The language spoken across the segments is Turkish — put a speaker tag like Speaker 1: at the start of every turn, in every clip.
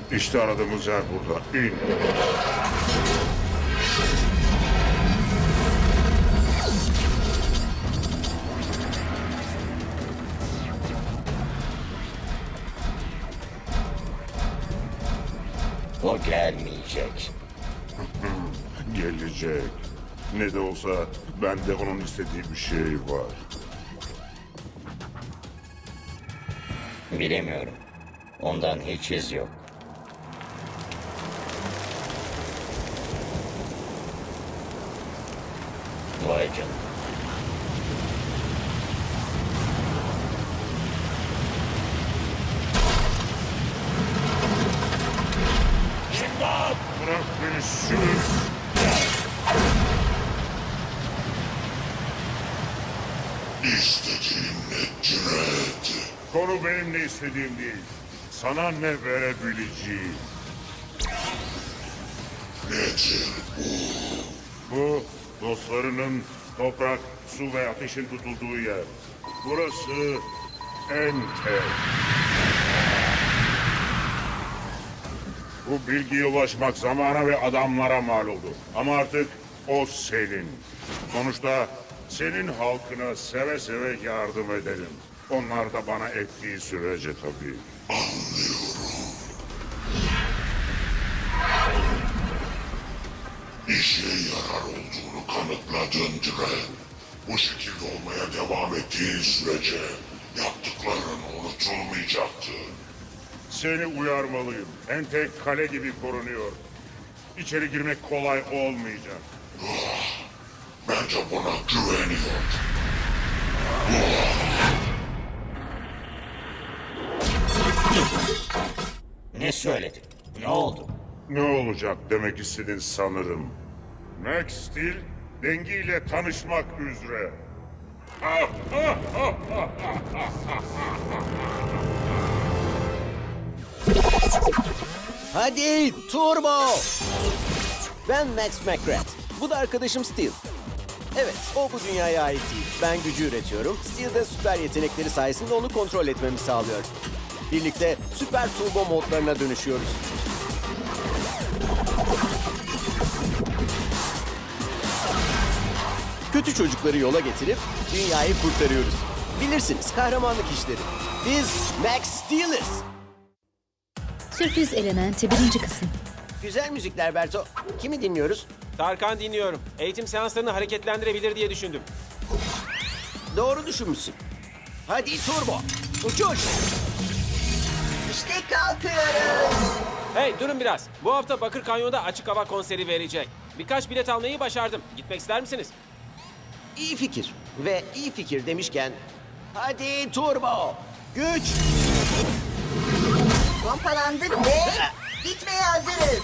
Speaker 1: İşte aradığımız yer burada. İn.
Speaker 2: O gelmeyecek.
Speaker 1: Gelecek. Ne de olsa bende onun istediği bir şey var.
Speaker 2: Bilemiyorum. Ondan hiç iz yok. Vay canına.
Speaker 1: Bırak beni sür.
Speaker 3: İstediğin Dread.
Speaker 1: Konu benim ne istediğim değil. Sana ne verebileceğim.
Speaker 3: Nedir
Speaker 1: Bu dostlarının toprak, su ve ateşin tutulduğu yer. Burası Ente. Bu bilgiye ulaşmak zamana ve adamlara mal oldu. Ama artık o senin. Sonuçta senin halkına seve seve yardım edelim. Onlar da bana ettiği sürece tabii.
Speaker 3: işe yarar olduğunu kanıtladın Dread. Bu şekilde olmaya devam ettiğin sürece yaptıkların unutulmayacaktı.
Speaker 1: Seni uyarmalıyım. Ente kale gibi korunuyor. İçeri girmek kolay olmayacak.
Speaker 3: Bence buna güveniyor.
Speaker 2: Ne söyledin? Ne oldu?
Speaker 1: Ne olacak demek istedin sanırım. Max Steel dengiyle tanışmak üzere.
Speaker 4: Hadi turbo! Ben Max McGrath. Bu da arkadaşım Steel. Evet, o bu dünyaya ait değil. Ben gücü üretiyorum. Steel de süper yetenekleri sayesinde onu kontrol etmemi sağlıyor. Birlikte süper turbo modlarına dönüşüyoruz. Kötü çocukları yola getirip dünyayı kurtarıyoruz. Bilirsiniz, kahramanlık işleri. Biz Max Steel'iz.
Speaker 5: Sürpriz Elementi 1. kısım.
Speaker 4: Güzel müzikler Berto. Kimi dinliyoruz?
Speaker 6: Tarkan dinliyorum. Eğitim seanslarını hareketlendirebilir diye düşündüm.
Speaker 4: Doğru düşünmüşsün. Hadi turbo. Uçuş.
Speaker 7: İşte kalkıyoruz.
Speaker 6: Hey durun biraz. Bu hafta Bakır Kanyon'da açık hava konseri verecek. Birkaç bilet almayı başardım. Gitmek ister misiniz?
Speaker 4: İyi fikir. Ve iyi fikir demişken hadi turbo. Güç.
Speaker 7: Pompalandık ve gitmeye hazırız.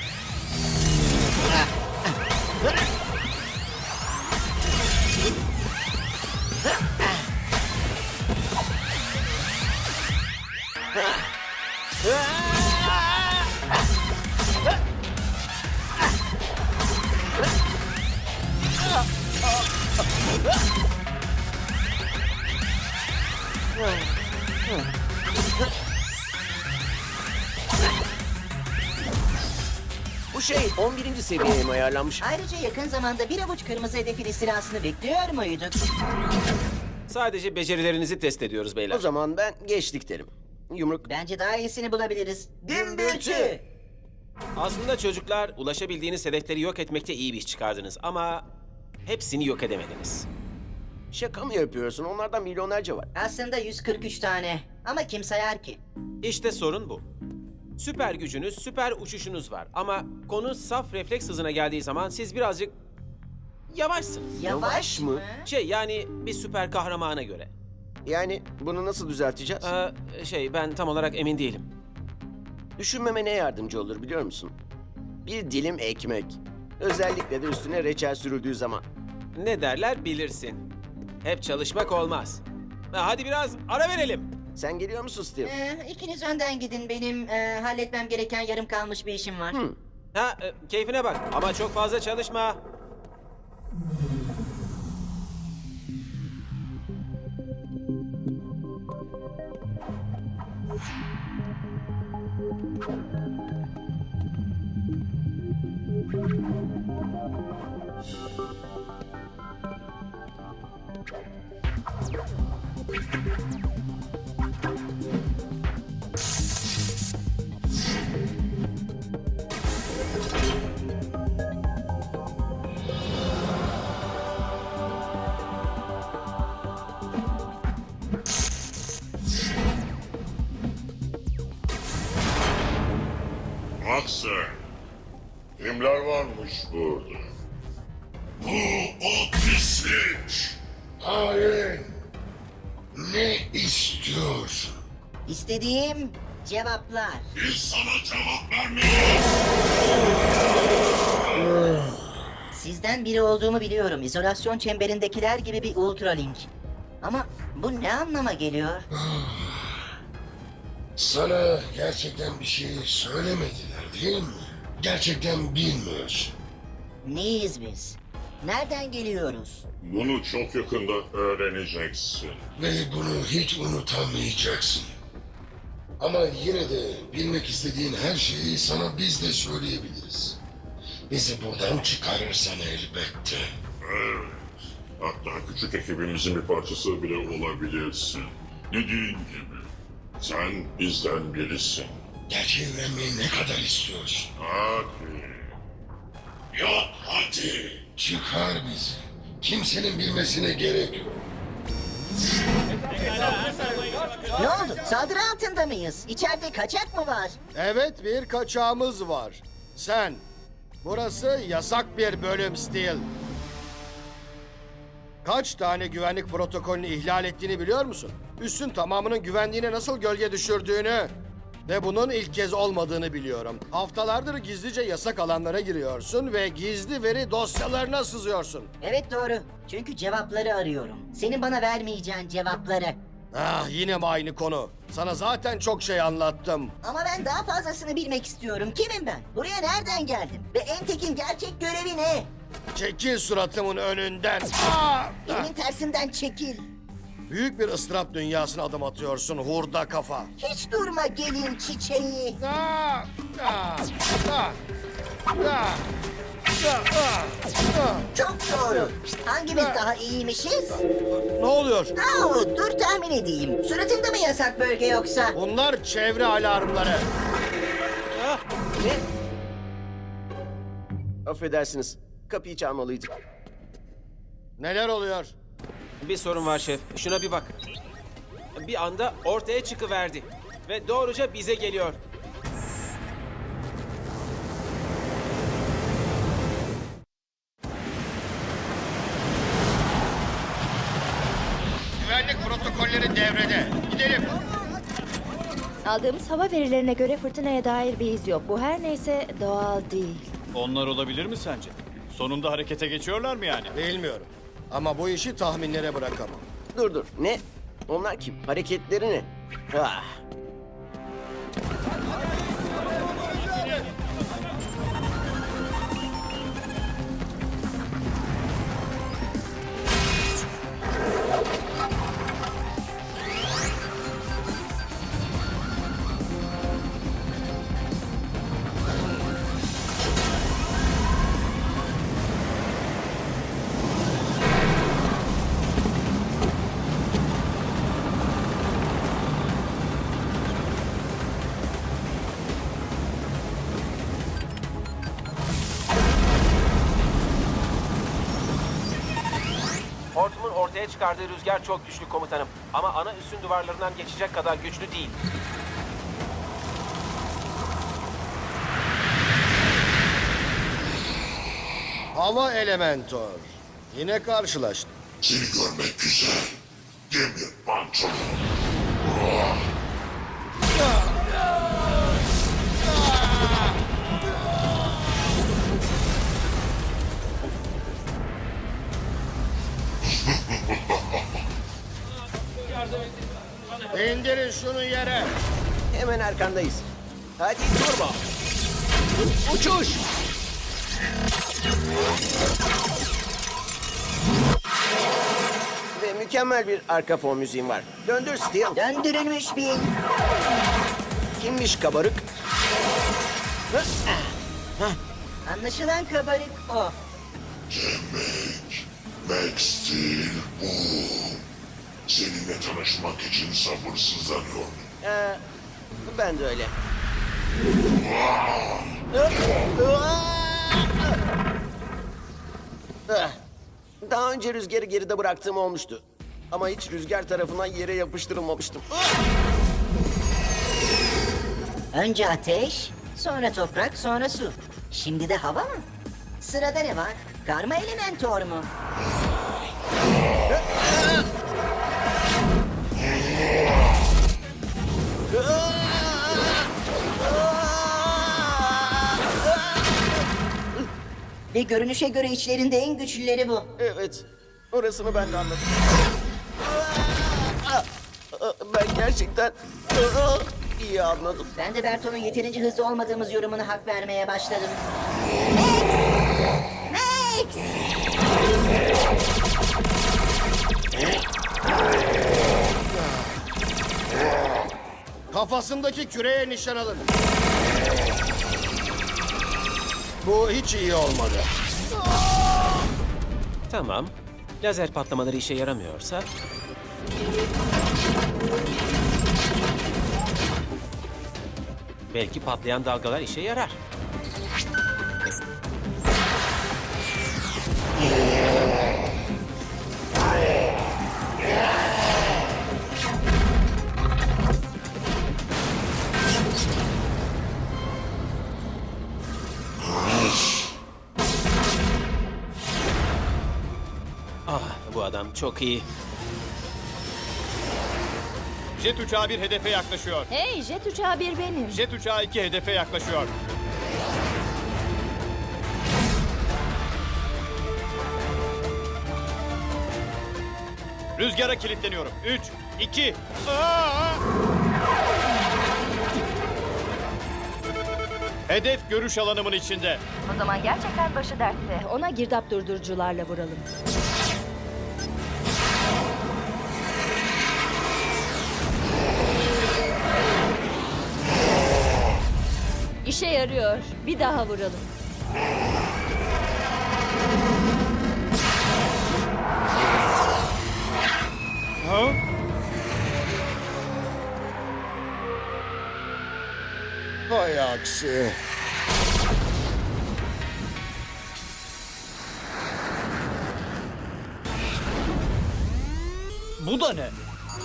Speaker 4: Bu şey 11. seviyeye mi ayarlanmış?
Speaker 7: Ayrıca yakın zamanda bir avuç kırmızı hedefin istilasını bekliyor muyduk?
Speaker 6: Sadece becerilerinizi test ediyoruz
Speaker 4: O
Speaker 6: beyler.
Speaker 4: zaman ben geçtik derim. Yumruk.
Speaker 7: Bence daha iyisini bulabiliriz. Gümbürtü.
Speaker 6: Aslında çocuklar ulaşabildiğiniz hedefleri yok etmekte iyi bir iş çıkardınız ama hepsini yok edemediniz.
Speaker 4: Şaka mı yapıyorsun? Onlardan milyonlarca var.
Speaker 7: Aslında 143 tane. Ama kim sayar ki?
Speaker 6: İşte sorun bu. Süper gücünüz, süper uçuşunuz var ama konu saf refleks hızına geldiği zaman siz birazcık yavaşsınız.
Speaker 4: Yavaş mı?
Speaker 6: Yani bir süper kahramana göre.
Speaker 4: Yani bunu nasıl düzelteceğiz?
Speaker 6: Ben tam olarak emin değilim.
Speaker 4: Düşünmeme ne yardımcı olur biliyor musun? Bir dilim ekmek. Özellikle de üstüne reçel sürüldüğü zaman.
Speaker 6: Ne derler bilirsin. Hep çalışmak olmaz. Hadi biraz ara verelim.
Speaker 4: Sen geliyor musun Steve?
Speaker 7: İkiniz önden gidin. Benim halletmem gereken yarım kalmış bir işim var.
Speaker 6: Keyfine bak ama çok fazla çalışma.
Speaker 3: Bak sen. Kimler varmış burada? Bu o pislik. Hain. Ne istiyorsun?
Speaker 7: İstediğim cevaplar.
Speaker 3: Biz sana cevap vermeyiz.
Speaker 7: Sizden biri olduğumu biliyorum. İzolasyon çemberindekiler gibi bir ultralink. Ama bu ne anlama geliyor?
Speaker 3: Sana gerçekten bir şey söylemediler değil mi? Gerçekten bilmiyorsun.
Speaker 7: Neyiz biz? Nereden geliyoruz?
Speaker 3: Bunu çok yakında öğreneceksin. Ve bunu hiç unutamayacaksın. Ama yine de bilmek istediğin her şeyi sana biz de söyleyebiliriz. Bizi buradan çıkarırsan elbette. Evet. Hatta küçük ekibimizin bir parçası bile olabilirsin. Dediğin gibi. Sen bizden birisin. Gerçeği öğrenmeyi ne kadar istiyorsun? Hadi. Yok hadi. Çıkar bizi. Kimsenin bilmesine gerek yok.
Speaker 7: Ne oldu? Saldırı altında mıyız? İçeride kaçak mı var?
Speaker 8: Evet, bir kaçağımız var. Sen. Burası yasak bir bölüm Steel. Kaç tane güvenlik protokolünü ihlal ettiğini biliyor musun? Üssün tamamının güvenliğine nasıl gölge düşürdüğünü ve bunun ilk kez olmadığını biliyorum. Haftalardır gizlice yasak alanlara giriyorsun ve gizli veri dosyalarına sızıyorsun.
Speaker 7: Evet doğru. Çünkü cevapları arıyorum. Senin bana vermeyeceğin cevapları.
Speaker 8: Ah, yine mi aynı konu? Sana zaten çok şey anlattım.
Speaker 7: Ama ben daha fazlasını bilmek istiyorum. Kimim ben? Buraya nereden geldim? Ve Entek'in gerçek görevi ne?
Speaker 8: Çekil suratımın önünden. Ah!
Speaker 7: Elimin tersinden çekil.
Speaker 8: Büyük bir ıstırap dünyasına adım atıyorsun hurda kafa.
Speaker 7: Hiç durma gelin çiçeği.
Speaker 8: Ah! Ah! Ah! Ah!
Speaker 7: Çok doğru. Hangimiz daha iyiymişiz?
Speaker 8: Ne oluyor?
Speaker 7: Dur tahmin edeyim. Suratında mı yasak bölge yoksa?
Speaker 8: Bunlar çevre alarmları.
Speaker 6: Ah, ne?
Speaker 4: Affedersiniz. Kapıyı çalmalıydık.
Speaker 8: Neler oluyor?
Speaker 6: Bir sorun var şef. Şuna bir bak. Bir anda ortaya çıkıverdi. Ve doğruca bize geliyor.
Speaker 8: Güvenlik protokolleri devrede. Gidelim.
Speaker 9: Aldığımız hava verilerine göre fırtınaya dair bir iz yok. Bu her neyse doğal değil.
Speaker 10: Onlar olabilir mi sence? Sonunda harekete geçiyorlar mı yani?
Speaker 8: Bilmiyorum. Ama bu işi tahminlere bırakamam.
Speaker 4: Dur. Ne? Onlar kim? Hareketleri ne? Ah.
Speaker 6: Hortum'un ortaya çıkardığı rüzgar çok güçlü komutanım. Ama ana üssün duvarlarından geçecek kadar güçlü değil.
Speaker 8: Hava Elementor. Yine karşılaştık.
Speaker 3: Seni görmek güzel. Demir pantolon.
Speaker 8: İndirin şunu yere.
Speaker 4: Hemen arkandayız. Hadi turbo. Uçuş. Ve mükemmel bir arka fon müziğim var. Döndür Steel.
Speaker 7: Döndürülmüş bir
Speaker 4: Kimmiş kabarık?
Speaker 7: Anlaşılan kabarık o.
Speaker 3: Max Steel bu. Seninle tanışmak için sabırsızlanıyorum.
Speaker 4: Ben de öyle. Daha önce rüzgarı geride bıraktığım olmuştu. Ama hiç rüzgar tarafından yere yapıştırılmamıştım.
Speaker 7: Önce ateş, sonra toprak, sonra su. Şimdi de hava mı? Sırada ne var? Karma elementor mu? Ve görünüşe göre içlerinde en güçlüleri bu.
Speaker 4: Evet, orasını ben de anladım. Ben gerçekten iyi anladım.
Speaker 7: Ben de Berto'nun yeterince hızlı olmadığımız yorumuna hak vermeye başladım. Max!
Speaker 8: Kafasındaki küreye nişan alın. Bu hiç iyi olmadı.
Speaker 6: Tamam. Lazer patlamaları işe yaramıyorsa... Belki patlayan dalgalar işe yarar. Ah, bu adam çok iyi.
Speaker 10: Jet uçağı bir hedefe yaklaşıyor.
Speaker 9: Hey, jet uçağı bir benim.
Speaker 10: Jet uçağı 2 hedefe yaklaşıyor. Rüzgara kilitleniyorum. 3, 2... Hedef görüş alanımın içinde.
Speaker 9: O zaman gerçekten başı dertte. Ona girdap durdurucularla vuralım. İşe yarıyor. Bir daha vuralım.
Speaker 10: Ha?
Speaker 8: Vay aksi.
Speaker 10: Bu da ne?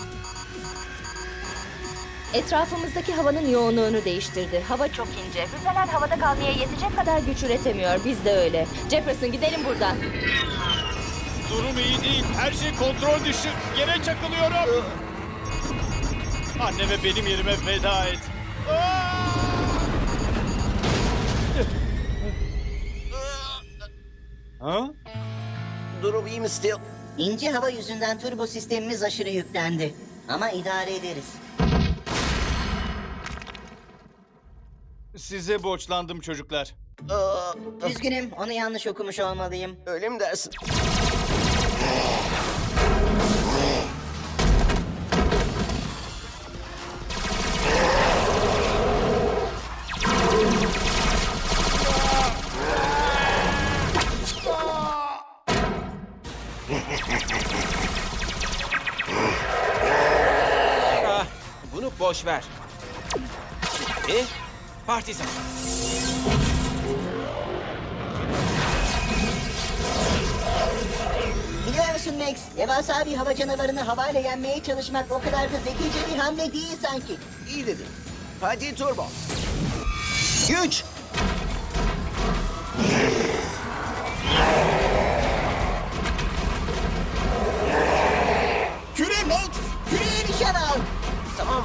Speaker 9: Etrafımızdaki havanın yoğunluğunu değiştirdi. Hava çok ince. Füzeler havada kalmaya yetecek kadar güç üretemiyor. Biz de öyle. Jefferson, gidelim buradan.
Speaker 10: Durum iyi değil. Her şey kontrol dışı. Yere çakılıyorum. Anneme benim yerime veda et. Ha?
Speaker 4: Durum iyi mi Steel?
Speaker 7: İnce hava yüzünden turbo sistemimiz aşırı yüklendi. Ama idare ederiz.
Speaker 10: Size borçlandım çocuklar.
Speaker 7: Üzgünüm, onu yanlış okumuş olmalıyım.
Speaker 4: Öyle mi dersin?
Speaker 6: Ah, bunu boş ver. Şimdi parti zamanı.
Speaker 7: Biliyor musun Max, devasa bir hava canavarını havayla yenmeye çalışmak o kadar da zekice bir hamle değil sanki.
Speaker 4: İyi dedin. Hadi turbo. Güç.
Speaker 7: Küre Max, küreye nişan al.
Speaker 4: Tamam.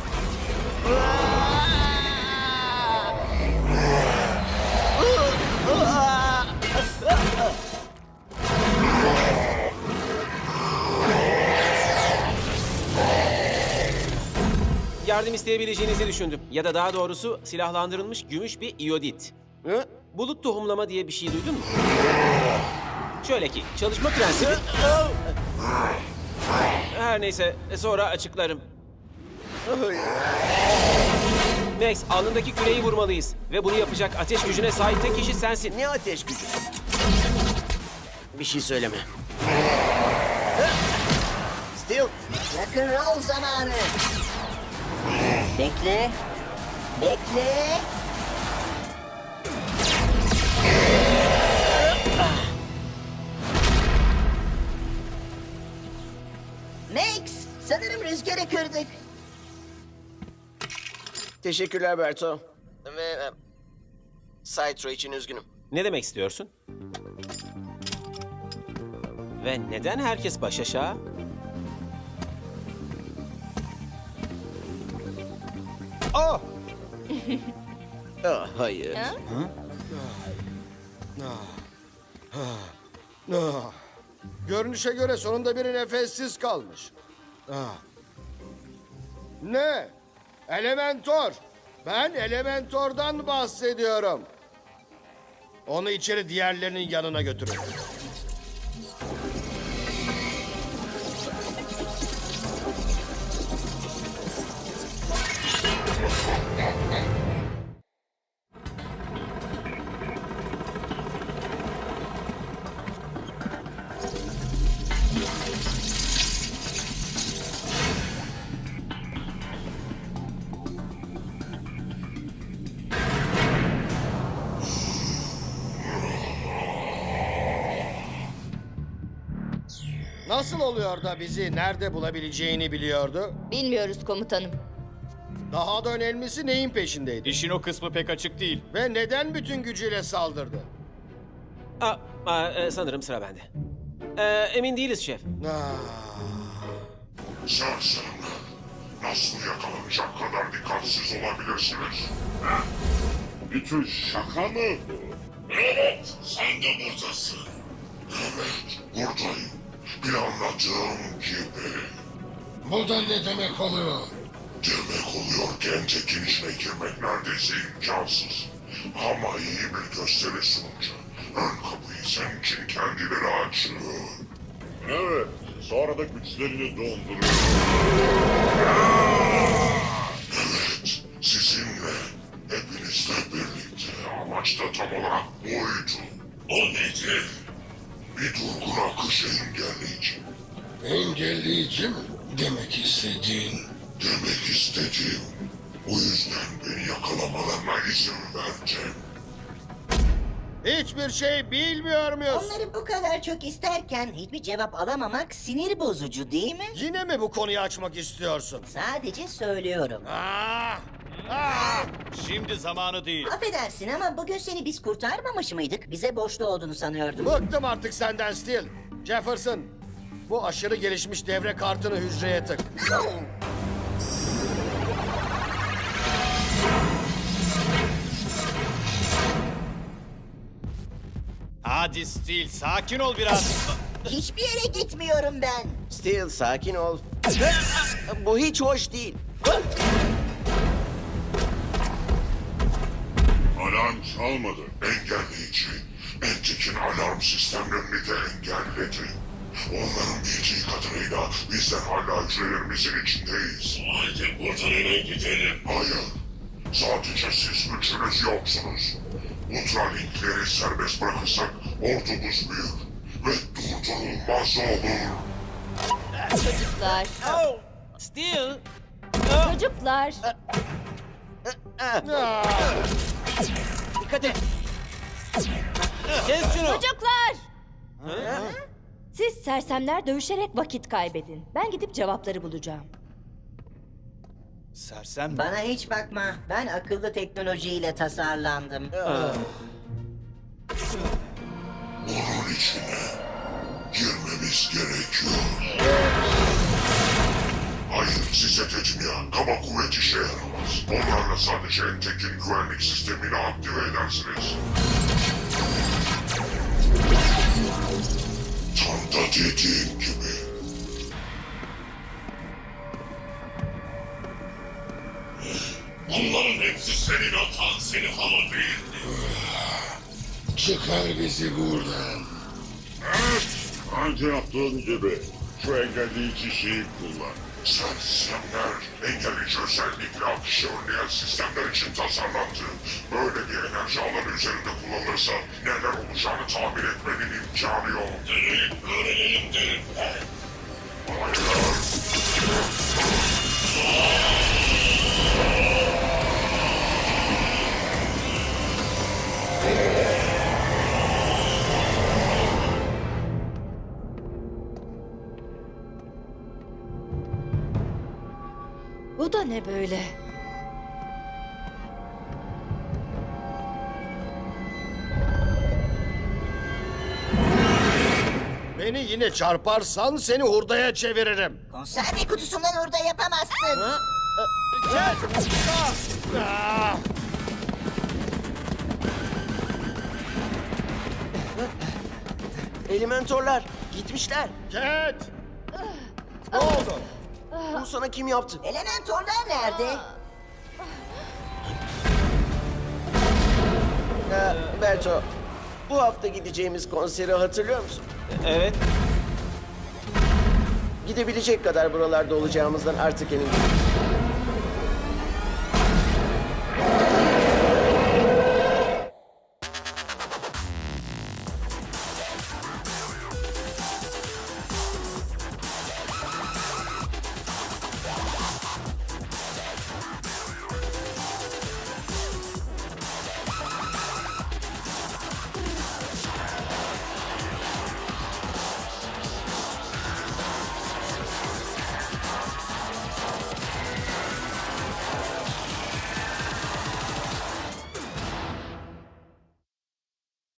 Speaker 6: Yardım isteyebileceğinizi düşündüm. Ya da daha doğrusu silahlandırılmış gümüş bir iyodit. Bulut tohumlama diye bir şey duydun mu? Şöyle ki, çalışma prensibi... Her neyse, sonra açıklarım. Rex, alnındaki küreyi vurmalıyız. Ve bunu yapacak ateş gücüne sahip tek kişi sensin.
Speaker 4: Ne ateş gücü? Bir şey söyleme. Steel,
Speaker 7: Rock'n'roll zamanı. Bekle. Bekle. Max, sanırım rüzgarı kırdık.
Speaker 4: teşekkürler Berto. Ve Cytro için üzgünüm.
Speaker 6: Ne demek istiyorsun? Ve neden herkes baş aşağı? Oh!
Speaker 4: Ah, hayır.
Speaker 8: Ah. Görünüşe göre sonunda biri nefessiz kalmış. Ah. Ne? Elementor. Ben Elementor'dan bahsediyorum. Onu içeri diğerlerinin yanına götürün. Nasıl oluyor da bizi nerede bulabileceğini biliyordu?
Speaker 9: Bilmiyoruz komutanım.
Speaker 8: Daha da önemlisi neyin peşindeydi?
Speaker 10: İşin o kısmı pek açık değil.
Speaker 8: Ve neden bütün gücüyle saldırdı?
Speaker 6: Sanırım sıra bende. Emin değiliz şef.
Speaker 1: Sersemler. Nasıl yakalanacak kadar dikkatsiz olabilirsiniz? Ha? Bir tür şaka mı bu? Evet, sen de buradasın. Evet, buradayım. Planladığım gibi.
Speaker 3: Bu da ne demek oluyor?
Speaker 1: Demek oluyor Gentek'in içine girmek neredeyse imkansız. Ama iyi bir gösteri sununca ön kapıyı senin için kendileri açıyor. Evet, sonra da güçlerini donduruyor. Evet, sizinle, hepinizle birlikte amaç da tam olarak buydu. O nedir? Bir durgun akışı engelleyici.
Speaker 3: Engelleyici mi? Demek istediğin.
Speaker 1: Demek istediğim, o yüzden beni yakalamalarına izin vereceğim.
Speaker 8: Hiçbir şey bilmiyor muyuz?
Speaker 7: Onları bu kadar çok isterken hiçbir cevap alamamak sinir bozucu değil mi?
Speaker 8: Yine mi bu konuyu açmak istiyorsun?
Speaker 7: Sadece söylüyorum.
Speaker 8: Ah! Ah!
Speaker 10: Şimdi zamanı değil.
Speaker 7: Affedersin ama bugün seni biz kurtarmamış mıydık? Bize borçlu olduğunu sanıyordum.
Speaker 8: Bıktım artık senden Steel. Jefferson, bu aşırı gelişmiş devre kartını hücreye tık.
Speaker 10: Hadi Steel, sakin ol biraz.
Speaker 7: Hiçbir yere gitmiyorum ben.
Speaker 4: Steel, sakin ol. Bu hiç hoş değil.
Speaker 1: Alarm çalmadı. Engelleyici. Entek'in alarm sistemlerini de engelledi. Onların bildiği kadarıyla bizler hala hücrelerimizin içindeyiz. Haydi buradan eve gidelim. Hayır. Sadece siz üçünüz yoksunuz. Ultralinkleri serbest bırakırsak ordumuz büyür. Ve durdurulmaz olur.
Speaker 9: Çocuklar.
Speaker 6: Steel!
Speaker 9: Çocuklar.
Speaker 4: Dikkat et.
Speaker 6: Kes şunu!
Speaker 9: Çocuklar. Siz sersemler dövüşerek vakit kaybedin. Ben gidip cevapları bulacağım.
Speaker 10: Sersem mi?
Speaker 7: Bana hiç bakma. Ben akıllı teknolojiyle tasarlandım.
Speaker 1: Bunun içine girmemiz gerekiyor. Hayır, size dedim ya, kaba kuvvet işe yaramaz. Onlarla sadece Entek'in güvenlik sistemini aktive edersiniz. Tam da dediğim gibi. Bunların hepsi senin hatan, senin hava değildi.
Speaker 3: Çıkar bizi buradan.
Speaker 1: Evet, önce yaptığın gibi. Şu engelleyici şeyi kullan.
Speaker 3: Sen sistemler engelleyici özellikle akışı önleyen sistemler için tasarlandı. Böyle bir enerji alanı üzerinde kullanılırsa neler olacağını tahmin etmenin imkanı yok. Deneyelim, öğrenelim derim. Hayır.
Speaker 9: Bu da ne böyle?
Speaker 8: Beni yine çarparsan seni hurdaya çeviririm.
Speaker 7: Konserve kutusundan orada yapamazsın.
Speaker 4: Elementorlar gitmişler.
Speaker 8: Cat! Ne oldu?
Speaker 4: Bunu sana kim yaptı?
Speaker 7: Elementorlar nerede?
Speaker 4: Berto, bu hafta gideceğimiz konseri hatırlıyor musun?
Speaker 6: Evet.
Speaker 4: Gidebilecek kadar buralarda olacağımızdan artık emin değilim.